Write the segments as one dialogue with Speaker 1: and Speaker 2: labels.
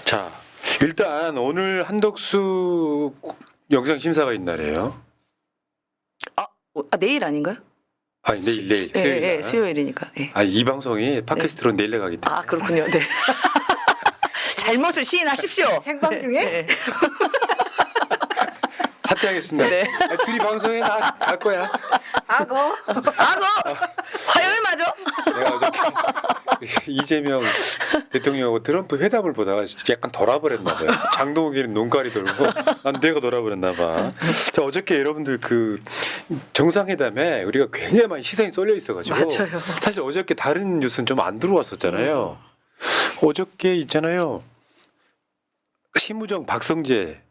Speaker 1: 자, 일단 오늘 한덕수 영장 심사가 있나래요.
Speaker 2: 내일 아닌가요?
Speaker 1: 아니 내일
Speaker 2: 네,
Speaker 1: 수요일 날.
Speaker 2: 수요일이니까. 네.
Speaker 1: 아, 이 방송이 팟캐스트로 내일 나가기 때문에.
Speaker 2: 아 그렇군요. 네. 잘못을 시인하십시오.
Speaker 3: 생방 중에?
Speaker 2: 네.
Speaker 1: 사퇴하겠습니다.
Speaker 2: 네.
Speaker 1: 아, 둘이 방송에 나 갈 거야.
Speaker 3: 악어.
Speaker 2: 화요일 맞아?
Speaker 1: 내가 어저께 이재명 대통령하고 트럼프 회담을 보다가 진짜 약간 돌아버렸나 봐요. 장동욱이는 눈깔이 돌고 난 내가 돌아버렸나 봐. 자, 어저께 여러분들 그 정상회담에 우리가 굉장히 많이 시선이 쏠려 있어가지고
Speaker 2: 맞아요.
Speaker 1: 사실 어저께 다른 뉴스는 좀 안 들어왔었잖아요. 어저께 있잖아요. 심우정 박성재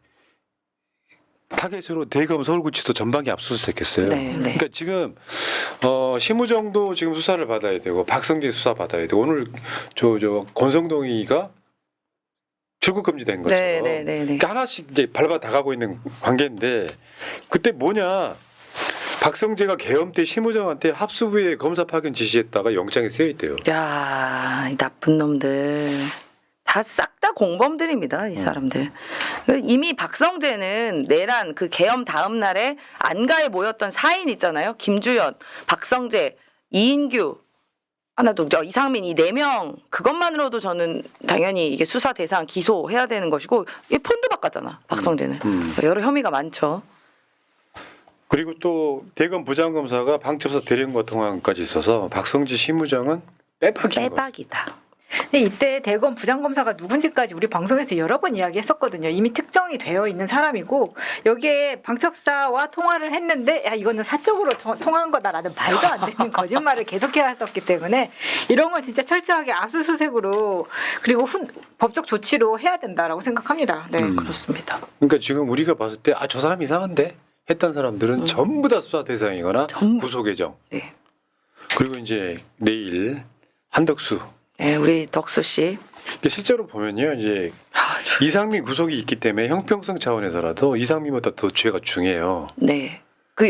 Speaker 1: 타겟으로 대검 서울구치소 전방위 압수수색했어요.
Speaker 2: 네.
Speaker 1: 그러니까 지금 심우정도 지금 수사를 받아야 되고 박성재 수사 받아야 되고 오늘 저 권성동이가 출국 금지된 거죠.
Speaker 2: 네.
Speaker 1: 그러니까 하나씩 이제 밟아 나가고 있는 관계인데 그때 뭐냐? 박성재가 계엄 때 심우정한테 합수부에 검사 파견 지시했다가 영장에 쓰여 있대요.
Speaker 2: 야, 이 나쁜 놈들. 다 싹 다 공범들입니다, 이 사람들. 이미 박성재는 내란 그 계엄 다음 날에 안가에 모였던 4인 있잖아요. 김주연, 박성재, 이인규, 하나 더 이상민 이 4명 그것만으로도 저는 당연히 이게 수사 대상 기소해야 되는 것이고 이 폰도 바꿨잖아, 박성재는. 여러 혐의가 많죠.
Speaker 1: 그리고 또 대검 부장검사가 방첩사 대령과 통화까지 있어서 박성재 심우정은 빼박인 거예요.
Speaker 2: 빼박이다.
Speaker 3: 근데 이때 대검 부장검사가 누군지까지 우리 방송에서 여러 번 이야기했었거든요. 이미 특정이 되어 있는 사람이고 여기에 방첩사와 통화를 했는데 야 이거는 사적으로 통한 거다라는 말도 안 되는 거짓말을 계속해왔었기 때문에 이런 건 진짜 철저하게 압수수색으로 그리고 법적 조치로 해야 된다라고 생각합니다. 네.
Speaker 2: 그렇습니다.
Speaker 1: 그러니까 지금 우리가 봤을 때 아 저 사람 이상한데 했던 사람들은 전부 다 수사 대상이거나
Speaker 2: 전부.
Speaker 1: 구속 예정.
Speaker 2: 네.
Speaker 1: 그리고 이제 내일 한덕수.
Speaker 2: 네, 우리 덕수 씨.
Speaker 1: 실제로 보면요, 이제 이상민 구속이 있기 때문에 형평성 차원에서라도 이상민보다 더 죄가 중해요.
Speaker 2: 네. 그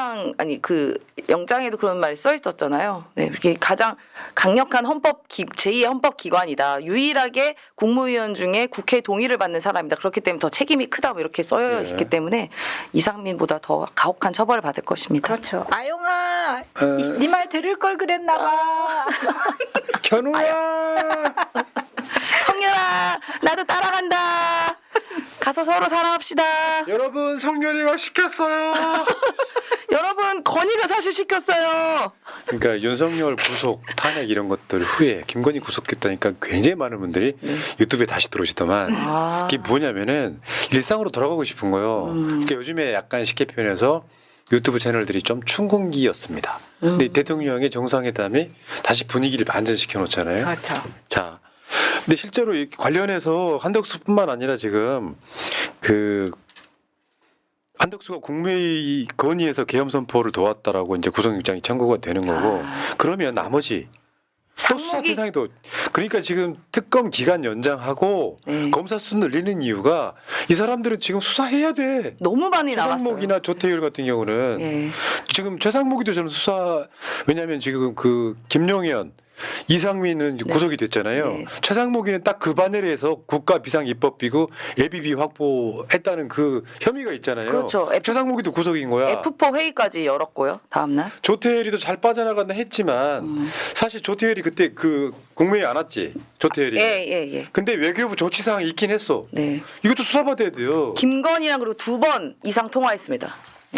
Speaker 2: 영장에도 그런 말이 써 있었잖아요. 네. 이게 가장 강력한 제2의 헌법기관이다. 유일하게 국무위원 중에 국회 동의를 받는 사람이다. 그렇기 때문에 더 책임이 크다. 뭐 이렇게 써 있기 때문에 이상민보다 더 가혹한 처벌을 받을 것입니다.
Speaker 3: 그렇죠. 아영아, 네 말 들을 걸 그랬나 봐.
Speaker 1: 견우야.
Speaker 2: 성렬아, 나도 따라간다. 가서 서로 사랑합시다.
Speaker 1: 여러분 성렬이가 시켰어요.
Speaker 2: 여러분 건의가 사실 시켰어요.
Speaker 1: 그러니까 윤석열 구속 탄핵 이런 것들 후에 김건희 구속됐다니까 굉장히 많은 분들이 유튜브에 다시 들어오시더만 그게 뭐냐면은 일상으로 돌아가고 싶은 거예요. 그러니까 요즘에 약간 쉽게 표현해서 유튜브 채널들이 좀 춘궁기였습니다. 근데 대통령의 정상회담이 다시 분위기를 반전시켜 놓잖아요.
Speaker 3: 그렇죠.
Speaker 1: 자, 근데 실제로 이 관련해서 한덕수뿐만 아니라 지금 그 한덕수가 국무회의 건의에서 계엄 선포를 도왔다라고 이제 구속영장이 청구가 되는 거고 그러면 나머지 또 수사
Speaker 2: 상목이
Speaker 1: 대상이도 그러니까 지금 특검 기간 연장하고 검사 수 늘리는 이유가 이 사람들은 지금 수사해야 돼.
Speaker 2: 너무 많이 나왔어요.
Speaker 1: 최상목이나 조태율 같은 경우는
Speaker 2: 예.
Speaker 1: 지금 최상목이도 저는 수사 왜냐하면 지금 그 김용현 이상민은 구속이 됐잖아요.
Speaker 2: 네.
Speaker 1: 최상목이는 딱 그 바늘에서 국가 비상 입법비고 예비비 확보했다는 그 혐의가 있잖아요.
Speaker 2: 그렇죠.
Speaker 1: 최상목이도 구속인 거야.
Speaker 2: F4 회의까지 열었고요. 다음날.
Speaker 1: 조태열이도 잘 빠져나간다 했지만 사실 조태열이 그때 그 국무회의 안 왔지. 조태열이.
Speaker 2: 예.
Speaker 1: 근데 외교부 조치사항이 있긴 했어.
Speaker 2: 네.
Speaker 1: 이것도 수사받아야 돼요.
Speaker 2: 김건희랑 그리고 2번 이상 통화했습니다.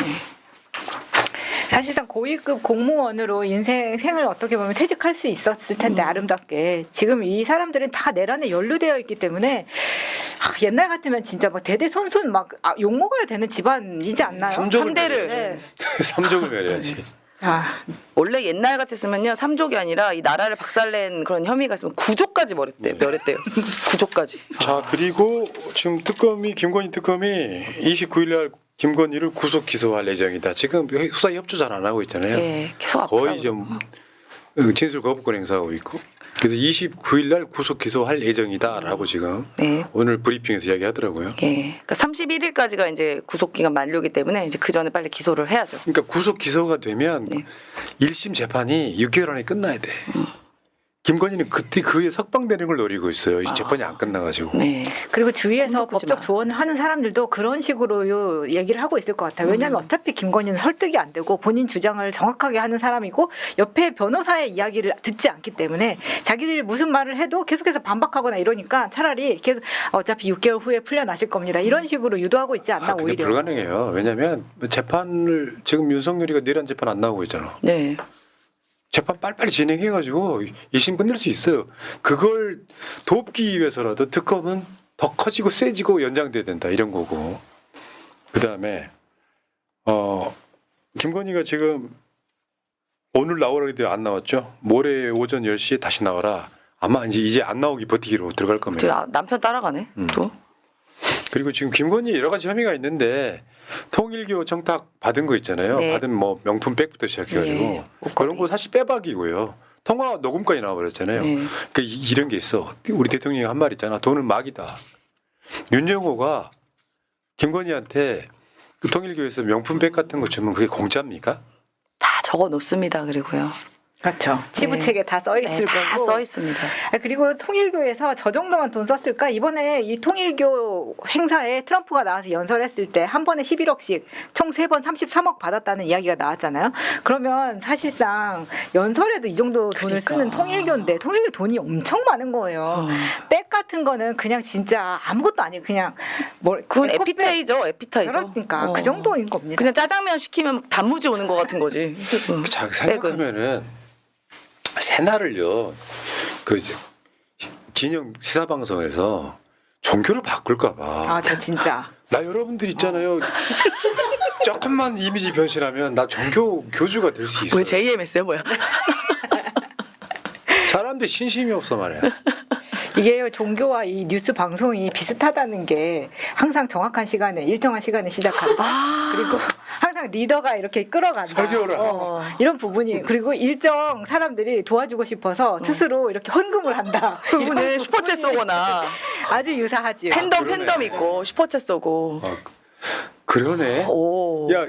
Speaker 3: 사실상 고위급 공무원으로 생을 어떻게 보면 퇴직할 수 있었을 텐데 아름답게 지금 이 사람들은 다 내란에 연루되어 있기 때문에 옛날 같으면 진짜 막 대대손손 막 욕 먹어야 되는 집안이지 않나요?
Speaker 1: 삼족을
Speaker 2: 3대를.
Speaker 3: 네.
Speaker 1: 삼족을 멸해야지.
Speaker 2: 원래 옛날 같았으면요. 3족이 아니라 이 나라를 박살낸 그런 혐의가 있으면 9족까지 멸했대요. 9족까지.
Speaker 1: 자, 그리고 지금 김건희 특검이 29일 날 김건희를 구속 기소할 예정이다. 지금 수사 협조 잘 안 하고 있잖아요.
Speaker 2: 예, 계속
Speaker 1: 거의 좀 진술 거부권 행사하고 있고. 그래서 29일 날 구속 기소할 예정이다라고 지금
Speaker 2: 네.
Speaker 1: 오늘 브리핑에서 이야기하더라고요.
Speaker 2: 예. 그러니까 31일까지가 이제 구속 기간 만료기 때문에 이제 그 전에 빨리 기소를 해야죠.
Speaker 1: 그러니까 구속 기소가 되면
Speaker 2: 네.
Speaker 1: 1심 재판이 6개월 안에 끝나야 돼. 김건희는 그때 그에 석방되는 걸 노리고 있어요. 이 재판이 안 끝나가지고.
Speaker 2: 네.
Speaker 3: 그리고 주위에서
Speaker 2: 꿈도 꾸지
Speaker 3: 법적
Speaker 2: 마.
Speaker 3: 조언을 하는 사람들도 그런 식으로 얘기를 하고 있을 것 같아요. 왜냐하면 어차피 김건희는 설득이 안 되고 본인 주장을 정확하게 하는 사람이고 옆에 변호사의 이야기를 듣지 않기 때문에 자기들이 무슨 말을 해도 계속해서 반박하거나 이러니까 차라리 계속 어차피 6개월 후에 풀려나실 겁니다. 이런 식으로 유도하고 있지 않나
Speaker 1: 근데
Speaker 3: 오히려.
Speaker 1: 불가능해요. 왜냐하면 재판을 지금 윤석열이가 내란 재판 안 나오고 있잖아.
Speaker 2: 네.
Speaker 1: 재판 빨리빨리 진행해가지고 1심 끝낼 수 있어요. 그걸 돕기 위해서라도 특검은 더 커지고 세지고 연장돼야 된다 이런 거고. 그 다음에 김건희가 지금 오늘 나오라 그랬는데 안 나왔죠. 모레 오전 10시에 다시 나와라. 아마 이제 안 나오기 버티기로 들어갈
Speaker 2: 저
Speaker 1: 겁니다.
Speaker 2: 남편 따라가네. 또.
Speaker 1: 그리고 지금 김건희 여러 가지 혐의가 있는데 통일교 청탁 받은 거 있잖아요.
Speaker 2: 네.
Speaker 1: 받은 뭐 명품 백부터 시작해가지고
Speaker 2: 네.
Speaker 1: 그런 거 사실 빼박이고요. 통화 녹음까지 나와버렸잖아요.
Speaker 2: 네.
Speaker 1: 그러니까 이런 게 있어. 우리 대통령이 한 말 있잖아. 돈은 막이다. 윤영호가 김건희한테 그 통일교에서 명품 백 같은 거 주면 그게 공짜입니까?
Speaker 2: 다 적어 놓습니다. 그리고요.
Speaker 3: 그렇죠. 치부책에 다 써 있을
Speaker 2: 네, 다
Speaker 3: 거고.
Speaker 2: 써 있습니다.
Speaker 3: 그리고 통일교에서 저 정도만 돈 썼을까? 이번에 이 통일교 행사에 트럼프가 나와서 연설했을 때 한 번에 11억씩 총 3번 33억 받았다는 이야기가 나왔잖아요. 그러면 사실상 연설에도 이 정도 돈을
Speaker 2: 그러니까.
Speaker 3: 쓰는 통일교인데 통일교 돈이 엄청 많은 거예요. 백 같은 거는 그냥 진짜 아무것도 아니고 그냥
Speaker 2: 그건
Speaker 3: 에코백.
Speaker 2: 에피테이죠. 에피타이저.
Speaker 3: 그러니까 그 정도인 겁니다.
Speaker 2: 그냥 짜장면 시키면 단무지 오는 것 같은 거지.
Speaker 1: 자, 생각하면은 새날을요 그 진영 시사방송에서 종교를 바꿀까봐.
Speaker 3: 아, 저 진짜.
Speaker 1: 나 여러분들 있잖아요. 조금만 이미지 변신하면 나 종교 교주가 될 수 있어.
Speaker 2: 왜 JMS야 뭐야?
Speaker 1: 사람들 신심이 없어 말이야.
Speaker 3: 이게 종교와 이 뉴스 방송이 비슷하다는 게 항상 정확한 시간에 일정한 시간에 시작한다. 그리고 항상 리더가 이렇게 끌어간다.
Speaker 1: 설교를
Speaker 3: 이런 부분이 그리고 일정 사람들이 도와주고 싶어서 스스로 이렇게 헌금을 한다.
Speaker 2: 그분은
Speaker 3: 이런
Speaker 2: 슈퍼챗
Speaker 3: 부분이
Speaker 2: 쏘거나
Speaker 3: 아주 유사하지요.
Speaker 2: 팬덤
Speaker 1: 그러네.
Speaker 2: 있고 슈퍼챗 쏘고.
Speaker 1: 그러네.
Speaker 2: 오.
Speaker 1: 야,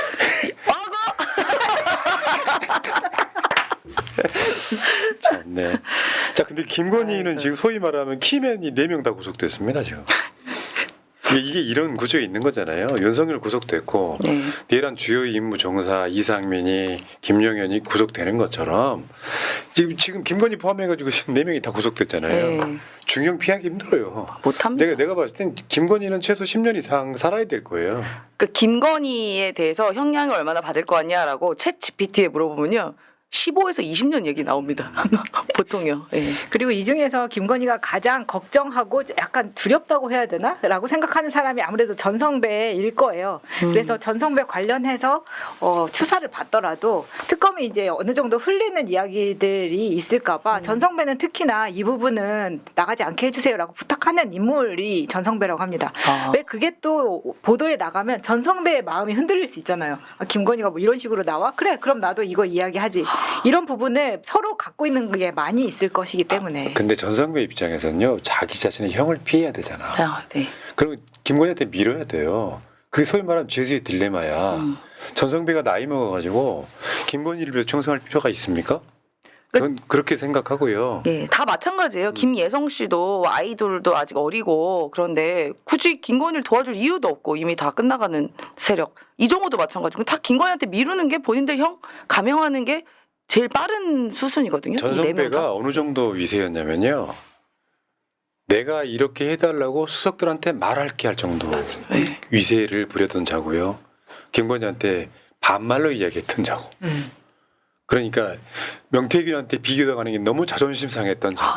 Speaker 1: 참네. 자, 근데 김건희는 지금 소위 말하면 키맨이 4명 다 구속됐습니다 지금. 이게 이런 구조에 있는 거잖아요. 윤석열 구속됐고
Speaker 2: 네.
Speaker 1: 내란 주요 임무 종사 이상민이 김용현이 구속되는 것처럼 지금 김건희 포함해가지고 지금 4명이 다 구속됐잖아요.
Speaker 2: 네.
Speaker 1: 중형 피하기 힘들어요.
Speaker 2: 못합니다.
Speaker 1: 내가 봤을 땐 김건희는 최소 10년 이상 살아야 될 거예요.
Speaker 2: 그 김건희에 대해서 형량을 얼마나 받을 거 같냐라고 챗 GPT에 물어보면요. 15에서 20년 얘기 나옵니다. 보통요. 예.
Speaker 3: 그리고 이 중에서 김건희가 가장 걱정하고 약간 두렵다고 해야 되나? 라고 생각하는 사람이 아무래도 전성배일 거예요. 그래서 전성배 관련해서 추사를 받더라도 특검이 이제 어느 정도 흘리는 이야기들이 있을까봐 전성배는 특히나 이 부분은 나가지 않게 해주세요라고 부탁하는 인물이 전성배라고 합니다. 왜 그게 또 보도에 나가면 전성배의 마음이 흔들릴 수 있잖아요. 아, 김건희가 뭐 이런 식으로 나와? 그래, 그럼 나도 이거 이야기하지. 이런 부분을 서로 갖고 있는 게 많이 있을 것이기 때문에.
Speaker 1: 근데 전성배 입장에서는요, 자기 자신의 형을 피해야 되잖아.
Speaker 2: 아, 네.
Speaker 1: 그럼 김건희한테 밀어야 돼요. 그게 소위 말하면 죄수의 딜레마야. 전성배가 나이 먹어가지고 김건희를 위해서 충성할 필요가 있습니까? 전 그렇게 생각하고요.
Speaker 2: 예, 다 마찬가지예요. 김예성 씨도 아이돌도 아직 어리고 그런데 굳이 김건희를 도와줄 이유도 없고 이미 다 끝나가는 세력. 이정호도 마찬가지고 다 김건희한테 미루는 게 본인들 형 감형하는 게 제일 빠른 수순이거든요. 이네 명 다.
Speaker 1: 전성배가 어느 정도 위세였냐면요. 내가 이렇게 해달라고 수석들한테 말할게 할 정도
Speaker 2: 네.
Speaker 1: 위세를 부렸던 자고요. 김건희한테 반말로 이야기했던 자고. 그러니까 명태균한테 비교당하는 게 너무 자존심 상했던 자고.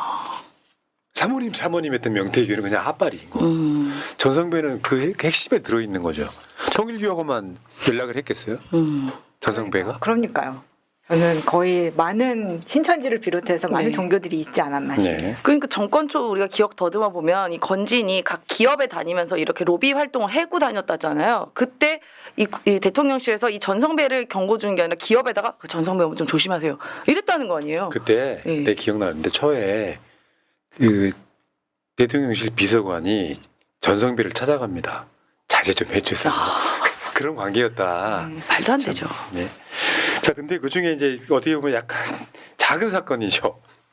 Speaker 1: 사모님 했던 명태균은 그냥 핫발인 거. 전성배는 그 핵심에 들어있는 거죠. 통일교하고만 연락을 했겠어요? 전성배가?
Speaker 3: 그러니까요. 저는 거의 많은 신천지를 비롯해서 많은
Speaker 2: 네.
Speaker 3: 종교들이 있지 않았나 싶어요.
Speaker 1: 네.
Speaker 2: 그러니까 정권 초 우리가 기억 더듬어 보면 이 건진이 각 기업에 다니면서 이렇게 로비 활동을 해고 다녔다잖아요. 그때 이 대통령실에서 이 전성배를 경고 주는 게 아니라 기업에다가 그 전성배 좀 조심하세요. 이랬다는 거 아니에요.
Speaker 1: 그때
Speaker 2: 네.
Speaker 1: 내 기억나는데 초에 그 대통령실 비서관이 전성배를 찾아갑니다. 자제 좀 해주세요. 그런 관계였다.
Speaker 2: 말도 안 되죠.
Speaker 1: 네. 자, 근데 그 중에 이제 어떻게 보면 약간 작은 사건이죠.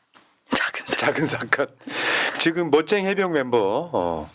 Speaker 1: 작은 사건. 지금 멋쟁이 해병 멤버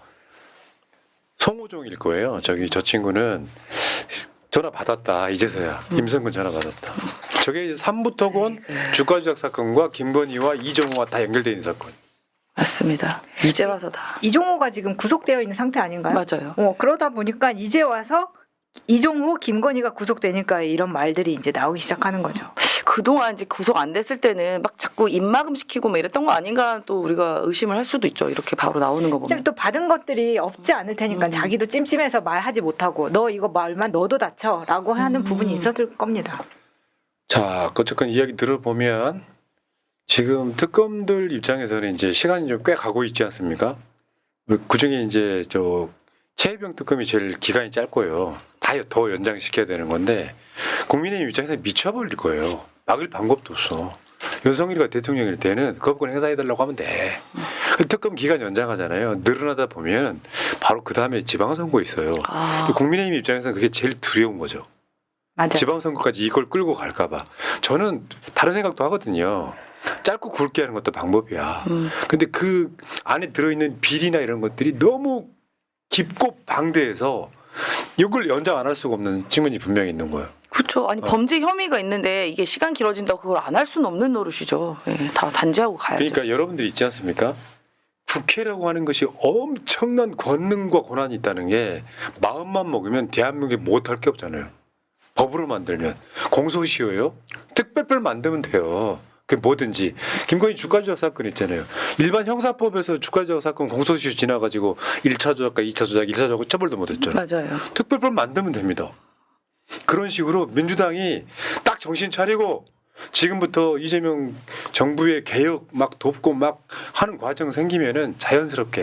Speaker 1: 송호종일 거예요. 저 친구는 전화 받았다. 이제서야 임성근 전화 받았다. 저게 이제 삼부토건 주가 조작 사건과 김건희와 이정호가 다 연결되어 있는 사건.
Speaker 2: 맞습니다. 이제 와서 다.
Speaker 3: 이종호가 지금 구속되어 있는 상태 아닌가요?
Speaker 2: 맞아요.
Speaker 3: 그러다 보니까 이제 와서 이종호, 김건희가 구속되니까 이런 말들이 이제 나오기 시작하는 거죠.
Speaker 2: 그동안 이제 구속 안 됐을 때는 막 자꾸 입막음 시키고 뭐 이랬던 거 아닌가 또 우리가 의심을 할 수도 있죠. 이렇게 바로 나오는 거 보면.
Speaker 3: 지금 또 받은 것들이 없지 않을 테니까 자기도 찜찜해서 말하지 못하고 너 이거 말만 너도 다쳐라고 하는 부분이 있었을 겁니다.
Speaker 1: 자, 어쨌건 이야기 들어보면 지금 특검들 입장에서는 이제 시간이 좀 꽤 가고 있지 않습니까? 그 중에 이제 최혜병 특검이 제일 기간이 짧고요. 다 더 연장시켜야 되는 건데 국민의힘 입장에서 미쳐버릴 거예요. 막을 방법도 없어. 윤석열이가 대통령일 때는 거부권 행사해달라고 하면 돼. 특검 기간 연장하잖아요. 늘어나다 보면 바로 그 다음에 지방선거 있어요. 근데 국민의힘 입장에서는 그게 제일 두려운 거죠.
Speaker 3: 맞아요.
Speaker 1: 지방선거까지 이걸 끌고 갈까봐. 저는 다른 생각도 하거든요. 짧고 굵게 하는 것도 방법이야. 근데 그 안에 들어있는 비리나 이런 것들이 너무 깊고 방대해서 이걸 연장 안 할 수가 없는 측면이 분명히 있는 거예요.
Speaker 2: 그렇죠. 아니 범죄 혐의가 있는데 이게 시간 길어진다고 그걸 안 할 수는 없는 노릇이죠. 예, 다 단죄하고 가야죠.
Speaker 1: 그러니까 여러분들이 있지 않습니까? 국회라고 하는 것이 엄청난 권능과 권한이 있다는 게 마음만 먹으면 대한민국에 못할 게 없잖아요. 법으로 만들면 공소시효요. 특별법 만들면 돼요. 그 뭐든지 김건희 주가 조작 사건 있잖아요. 일반 형사법에서 주가 조작 사건 공소시효 지나가지고 1차 조작과 2차 조작, 1차 조작 처벌도 못했잖아요.
Speaker 2: 맞아요.
Speaker 1: 특별법 만들면 됩니다. 그런 식으로 민주당이 딱 정신 차리고 지금부터 이재명 정부의 개혁 막 돕고 막 하는 과정 생기면은 자연스럽게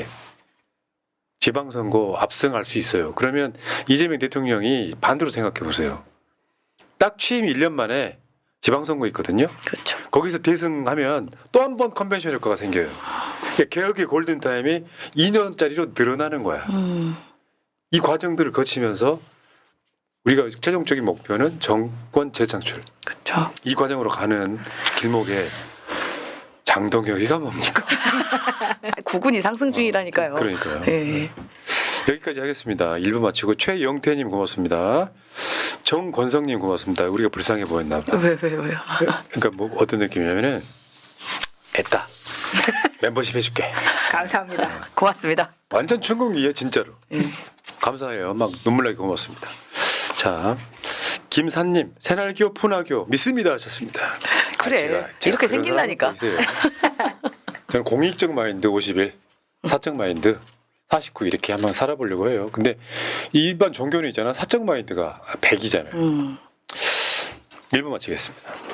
Speaker 1: 지방선거 압승할 수 있어요. 그러면 이재명 대통령이 반대로 생각해 보세요. 딱 취임 1년 만에 지방선거 있거든요.
Speaker 2: 그렇죠.
Speaker 1: 거기서 대승하면 또 한 번 컨벤션 효과가 생겨요. 그러니까 개혁의 골든타임이 2년짜리로 늘어나는 거야. 이 과정들을 거치면서 우리가 최종적인 목표는 정권 재창출.
Speaker 2: 그렇죠.
Speaker 1: 이 과정으로 가는 길목에 장동혁이가 뭡니까?
Speaker 2: 구군이 상승 중이라니까요.
Speaker 1: 그러니까요.
Speaker 2: 예.
Speaker 1: 여기까지 하겠습니다. 1부 마치고 최영태님 고맙습니다. 정권성님 고맙습니다. 우리가 불쌍해 보였나 봐.
Speaker 2: 왜요?
Speaker 1: 그러니까 뭐 어떤 느낌이냐면은 애따 멤버십 해줄게.
Speaker 3: 감사합니다.
Speaker 2: 고맙습니다.
Speaker 1: 완전 충격이에요 진짜로. 감사해요. 막 눈물 나게 고맙습니다. 자 김산님 새날교 푸나교 믿습니다 하셨습니다.
Speaker 2: 그래. 이렇게
Speaker 1: 그런
Speaker 2: 생긴다니까.
Speaker 1: 사람도 있어요. 저는 공익적 마인드 51, 사적 마인드 49 이렇게 한번 살아보려고 해요. 근데 일반 종교는 있잖아. 사적 마인드가 100이잖아요. 1부 마치겠습니다.